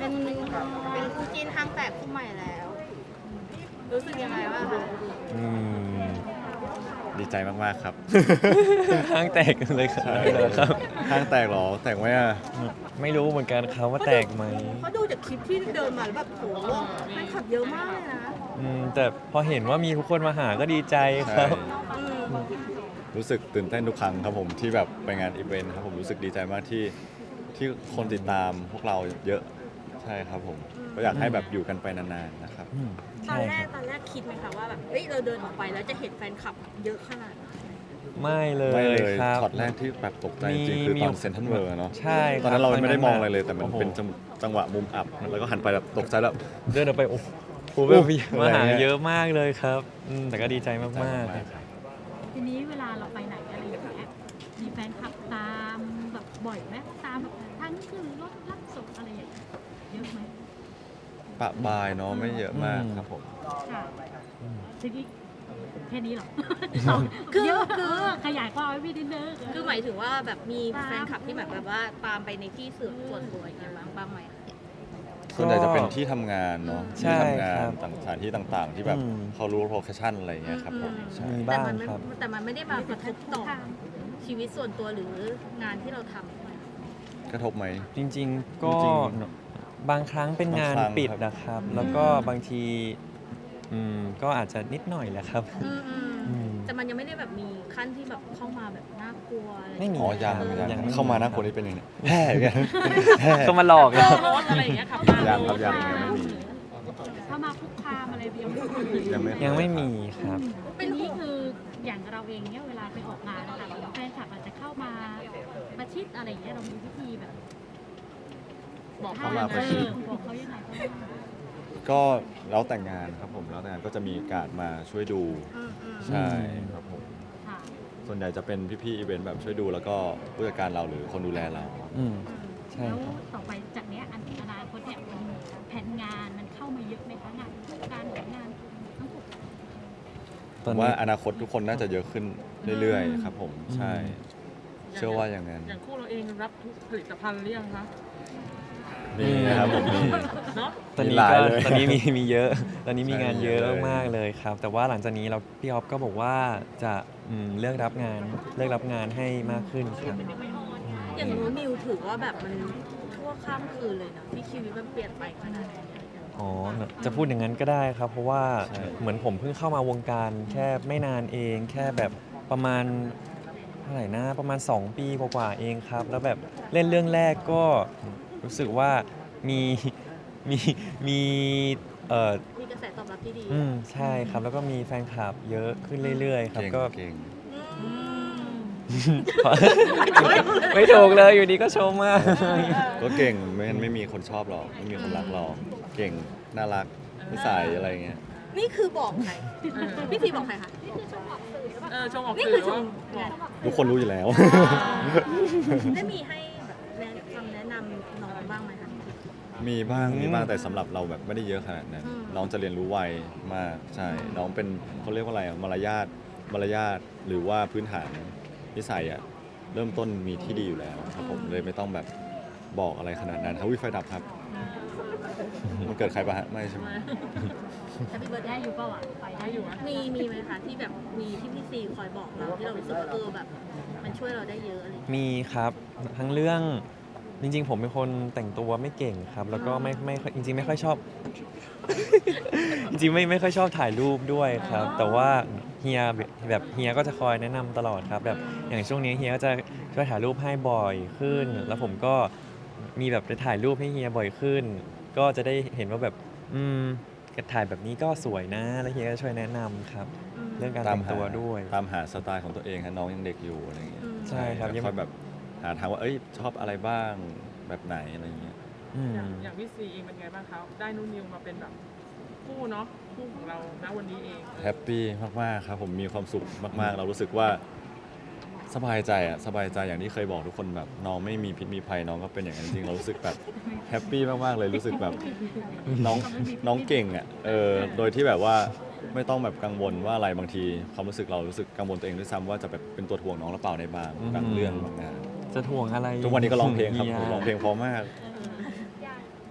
เป็นคู่จิ้นห้างแตกคู่ใหม่แล้ว รู้สึกยังไงบ้างคะอืมดีใจมากๆครับห้างแตกเลยครับใช่ครับห้างแตกเหรอแตกไหมอ่ะไม่รู้เหมือนกันครับว่าแตกไหมเพราะดูจากคลิปที่เดินมาแล้วแบบโหแฟนคลับเยอะมากเลยนะแต่พอเห็นว่ามีทุกคนมาหาก็ดีใจครับอืมรู้สึกตื่นเต้นทุกครั้งครับผมที่แบบไปงานอีเวนต์ครับผมรู้สึกดีใจมากที่คนติดตามพวกเราเยอะใช่ครับผมก็อยากให้แบบอยู่กันไปนานๆนะครับตอใช่นแรคกรับตอนแรกคิดไหมคะว่าแบบเอ้ยเราเดินออกไปแล้วจะเห็นแฟนคลับเยอะขนาดไหนไม่เลยไม่เลยครับช็อตแรกที่แบบตกใจจริงๆคือตอนเซนทรัลเวิร์เนาะใช่ตอนนั้นเราไม่ได้มองอะไรเลยแต่มันโโหเป็นจังหวะมุมอับแล้วก็หันไปแบบตกใจแล้วเดินออกไปโอ้โหโอ้แบบโหมาหาอะไรเงี้ยเยอะมากเลยครับแต่ก็ดีใจมากทีนี้เวลาเราไปไหนอะไรอย่างเงี้ยมีแฟนคลับตามแบบบ่อยไหมตามแบบทั้งขึ้นรถรับส่งอะไรอย่างเงี้ยเยอะไหมปะบายเนาะไม่เยอะมากครับผมค่ะทีนี้แค่นี้เหรอคือเยอะคือขยายความให้พี่นิดนึงคือหมายถึงว่าแบบมีแฟนคลับที่แบบว่าตามไปในที่ส่วนตัวอย่างเงี้ยบ้างไหมๆส่วนใหญ่จะเป็นที่ทำงานเนาะใช่ที่ทำงานครับสถานที่ต่างๆ ที่แบบอืมเขารู้โลเคชั่นอะไรเงี้ยครับผมใช่มีบ้างครับแต่มันไม่ได้มากระทบต่อชีวิตส่วนตัวหรืองานที่เราทำกระทบไหมจริงๆก็จริงบางครั้งเป็นงานบางครั้งปิดครับนะครับ แล้วก็บางทีก็อาจจะนิดหน่อยแหละครับ อืมแต่มันยังไม่ได้แบบมีขั้นที่แบบเข้ามาแบบน่ากลัวอะไรไม่มีอ๋อยังครับยังไม่เข้ามาหน้าคนนี้เป็นยังไงแห่เนี่ย แห่เขามาหลอกเรารถอะไรอย่างเงี้ยขับยังครับยังไม่มีเข้ามาคุกคามอะไรยังไม่ยังไม่มีครับทีนี้คืออย่างเราเองเนี่ยเวลาไปออกงานนะคะแฟนคลับอาจจะเข้ามาประชิดอะไรอย่างเงี้ยเรามีวิธีแบบบอกเข้ามาประชิดบอกเขายังไงบ้างก็แล้วแต่งงานครับผมแล้วแต่งงานก็จะมีการดมาช่วยดูใช่ครับผมค่ะส่วนใหญ่จะเป็นพี่ๆอีเวนต์แบบช่วยดูแล้วก็ผู้จัดการเราหรือคนดูแลเราอืมใช่แล้วครับต่อไปจากเนี้ยอนาคตเนี่ยมันแผนงานมันเข้ามาเยอะไหมคะงานการหรืองานทั้งหมดตอนว่านี้อนาคตทุกคนน่าจะเยอะขึ้นเรื่อยๆครับผมใช่ เชื่อว่าอย่างนั้นอย่างคู่เราเองรับทุกผลิตภัณฑ์หรือยังคะมีนะครับผมมีเนาะตอนนี้มีหลายก็เลยตอนนี้มีเยอะ ตอนนี้มีงานเยอะใช่มากๆเลยครับ แต่ว่าหลังจากนี้พี่ออฟก็บอกว่าจะเลือกรับงานให้มากขึ้นครับอย่างนู้นนิวถือว่าแบบมันชั่วข้ามคืนเลยเนาะที่ชีวิตมันเปลี่ยนไปขนาดนี้อ๋อ จะพูดอย่างนั้นก็ได้ครับ เพราะว่าใช่เหมือนผมเพิ่งเข้ามาวงการแค่ไม่นานเอง แค่แบบประมาณเท่าไหร่นะประมาณ 2 ปีกว่าๆเองครับ แล้วแบบเล่นเรื่องแรกก็รู้สึกว่ามีมีมีมีกระแสตอบรับที่ดีใช่ครับ แล้วก็มีแฟนคลับเยอะขึ้นเรื่อยๆครับเก่งก็เก่งไม่ถูกเลยอยู่ดีก็ชมมากก็เก่งไม่มีคนชอบหรอกไม่มีคนรักหรอกเก่งน่ารักนิสัยอะไรเงี้ยนี่คือบอกใครพี่พีบอกใครคะชมออกนี่สื่คืออชว่ามทุกคนรู้อยู่แล้วได้มีให้แบบคำแนะนำน้องบ้างไหมคะมีบ้างแต่สำหรับเราแบบไม่ได้เยอะขนาดนั้นอืมน้องจะเรียนรู้ไวมากใช่น้องเป็นเขาเรียกว่าอะไรอะมารยาทหรือว่าพื้นฐานนิสัยอะเริ่มต้นมีที่ดีอยู่แล้วครับผมเลยไม่ต้องแบบบอกอะไรขนาดนั้นเขาวิไฟดับครับมันเกิดใครปะฮะไม่ใช่ไหมแต่พี่เบิร์ดได้อยู่เปล่าอ่ะไปได้อยู่มีไหมคะที่แบบมีที่พี่ซีคอยบอกเราที่เรารู้สึกว่าแบบมันช่วยเราได้เยอะอะไรอย่างเงี้ยมีครับทั้งเรื่องจริงๆ ผมเป็นคนแต่งตัวไม่เก่งครับ แล้วก็ไม่ค่อยจริงๆไม่ค่อยชอบ จริงๆไม่ค่อยชอบถ่ายรูปด้วยครับ แต่ว่าเฮียแบบเฮียก็จะคอยแนะนำตลอดครับแบบอย่างช่วงนี้เฮียก็จะช่วยถ่ายรูปให้บ่อยขึ้น แล้วผมก็มีแบบไปถ่ายรูปให้เฮียบ่อยขึ้น ก็จะได้เห็นว่าแบบถ่ายแบบนี้ก็สวยนะ แล้วเฮียก็ช่วยแนะนำครับ เรื่องการแต่งตัวด้วยตามหาสไตล์ของตัวเองฮะน้องยังเด็กอยู่อะไรเงี้ยใช่ครับแล้วค่อยแบบหาทางว่าเอ้ยชอบอะไรบ้างแบบไหนอะไรเงี้ยอย่างพี่ซีเองเป็นไงบ้างคะได้นุ่นนิวมาเป็นแบบคู่เนาะคู่ของเราณวันนี้เองแฮปปี้มากๆครับผมมีความสุขมากๆ เรารู้สึกว่าสบายใจอย่างที่เคยบอกทุกคนแบบน้องไม่มีพิษมีภัยน้องก็เป็นอย่างนั้นจริงเรารู้สึกแบบแฮปปี้มากๆเลยรู้สึกแบบน้องเก่งอ่ะโดยที่แบบว่าไม่ต้องแบบกังวลว่าอะไรบางทีความรู้สึกเรารู้สึกกังวลตัวเองด้วยซ้ำว่าจะแบบเป็นตัวถ่วงน้องหรือเปล่าในบางเรื่องบางงานจะถ่วงอะไรทุกวันนี้ก็ร้องเพลงครับฮียร้องเพลงเพราะมาก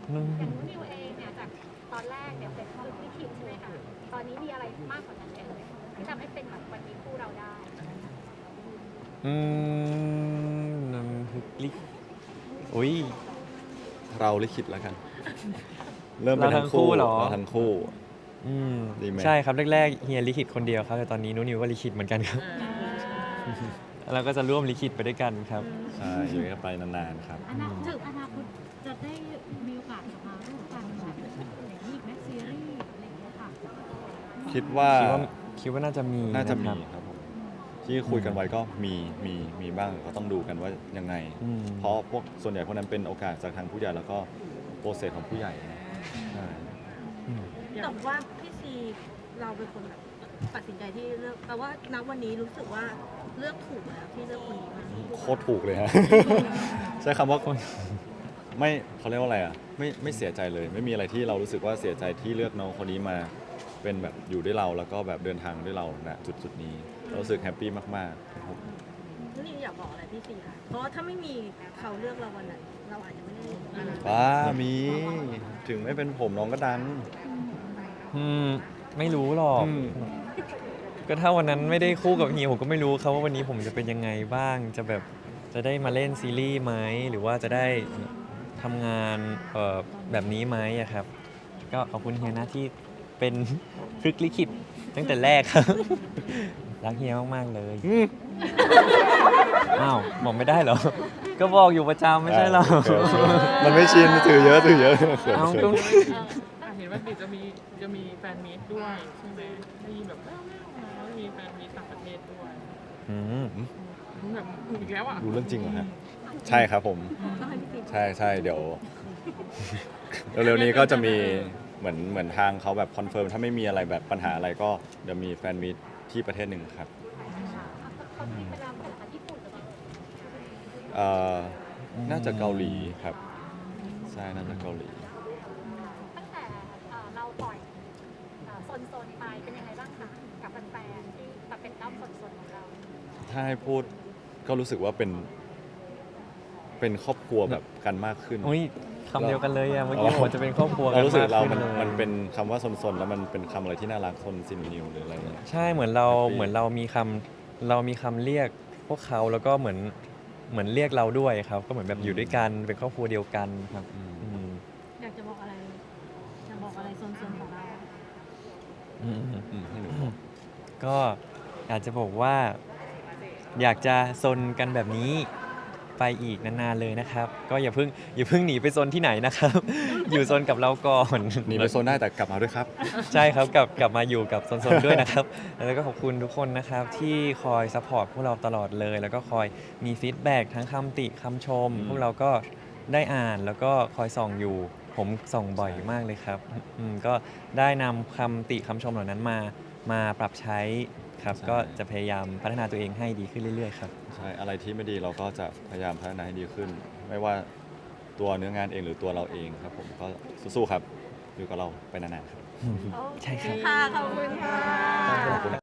อย่างนู้นนิวเองเนี่ยจากตอนแรกเนี่ยเป็นคนที่คิดใช่ไหมคะตอนนี้มีอะไรมากกว่านั้นไหมเอ่ยที่ทำให้เป็นแบบวันนี้คู่เราได้อืมน้ำพริกลิอุ้ยเราลิขิตแล้วกัน เริ่มเราเป็นทั้ทั้งงคู่คู่เหรอเราทั้งคู่อืมดีไหมใช่ครับแรกๆเฮียลิขิตคนเดียวครับแต่ตอนนี้นุนิวก็ลิขิตเหมือนกันครับ เราก็จะร่วมลิขิตไปด้วยกันครับใช่อยู่กันไปนานๆครับอนาคตจะได้มีโอกาสมาร่วมกันแบบอย่างนี้อีกไหมซีรีส์อะไรอย่างเงี้ยค่ะคิดว่าคิดว่าน่าจะมีน่าจะมีครับครับผมที่คุยกันไว้ก็มีบ้างก็ต้องดูกันว่ายังไงอืมเพราะพวกส่วนใหญ่พวกนั้นเป็นโอกาสจากทางผู้ใหญ่แล้วก็โปรเซสของผู้ใหญ่ใช่อืมแต่ว่าพี่ซีเราเป็นคนแบบตัดสินใจที่เลือกแต่ว่าณวันนี้รู้สึกว่าเลือกถูกแล้วที่เลือกคนนี้มาโคตรถูกเลยฮะ ใช้คำว่าไม่เขาเรียกว่าอะไรอ่ะไม่เสียใจเลย ไม่มีอะไรที่เรารู้สึกว่าเสียใจที่เลือกน้องคนนี้มาเป็นแบบอยู่ด้วยเราแล้วก็แบบเดินทางด้วยเราณจุดนี้เรารู้สึกแฮปปี้มากๆครับผมนี่อยากบอกอะไรพี่ซีค่ะเพราะว่าถ้าไม่มีเขาเลือกเราวันนั้นเราอาจจะไม่ได้มาว้ามีถึงไม่เป็นผมน้องก็ดังอืมไม่รู้หรอกอืมก็ถ้าวันนั้นไม่ได้คู่กับเฮียผมก็ไม่รู้ครับว่าวันนี้ผมจะเป็นยังไงบ้างจะแบบจะได้มาเล่นซีรีส์ไหมหรือว่าจะได้ทำงานแบบนี้ไหมอะครับ ก็ขอบคุณเฮียนะที่เป็นพลิกลิขิตตั้งแต่แรกครับ รักเฮียมากๆเลย อ้าวบอกไม่ได้เหรอ ก็บอกอยู่ประจำไม่ใช่เหรอมันไม่ชินถือเยอะเขินเอาเขิก็นเห็นว่าเดี๋ยวจะมีแฟนมีตด้วยใช่ไหมได้ยินแบบแว่วๆมาว่ามีแฟนมีตต่างประเทศด้วยอืมแบบอีกแล้วอ่ะดูเรื่องจริงเหรอฮะใช่ครับผมต้องให้พี่ซีใช่เดี๋ยว เร็วๆนี้ก็จะมีเหมือนทางเขาแบบคอนเฟิร์มถ้าไม่มีอะไรแบบปัญหาอะไรก็เดี๋ยวมีแฟนมีตที่ประเทศหนึ่งครับเขามีไปแล้วแต่ญี่ปุ่นหรือเปล่าเอ่อน่าจะเกาหลีครับใช่น่าจะเกาหลีตั้งแต่เราปล่อยโซนๆไปเป็นยังไงบ้างคะกับแฟนๆที่แบบเป็นด้อมโซนๆของเราถ้าให้พูดก็รู้สึกว่าเป็นครอบครัวแบบกันมากขึ้นอุ้ยคำเดียวกันเลยอะเมื่อกี้ผมจะเป็นครอบครัวกัเรานรู้สึกมากเราขึ้นเลยมันเป็นคำว่าซนๆแล้วมันเป็นคำอะไรที่น่ารักซนซินนิวหรืออะไรเงี้ยใช่เหมือนเรามีคำเรียกพวกเขาแล้วก็เหมือนเรียกเราด้วยครับ ก็เหมือนแบบอยู่ด้วยกันเป็นครอบครัวเดียวกันครับอืมอยากจะบอกอะไรจะบอกอะไรโซนๆของเราอืมให้หนูบอกก็อยากจะบอกว่า อยากจะซนกันแบบนี้ไปอีกนานๆเลยนะครับ ก็อย่าเพิ่งหนีไปซนที่ไหนนะครับ อยู่ซนกับเราก่อนหนีไปโซนได้แต่กลับมาด้วยครับใช่ครับกลับมาอยู่กับซนๆด้วยนะครับ แล้วก็ขอบคุณทุกคนนะครับที่คอยซัพพอร์ตพวกเราตลอดเลย แล้วก็คอยมีฟีดแบ็กทั้งคำติคำชม พวกเราก็ได้อ่านแล้วก็คอยส่องอยู่ ผมส่องบ่อยมากเลยครับก็ได้นำคำติคำชมเหล่านั้นมาปรับใช้ครับใช่ก็จะพยายามพัฒนาตัวเองให้ดีขึ้นเรื่อยๆครับใช่อะไรที่ไม่ดีเราก็จะพยายามพัฒนาให้ดีขึ้น ไม่ว่าตัวเนื้องานเองหรือตัวเราเองครับผมก็สู้ๆครับอยู่กับเราไปนานๆครับใช่ครับค่ะขอบคุณค่ะขอบคุณ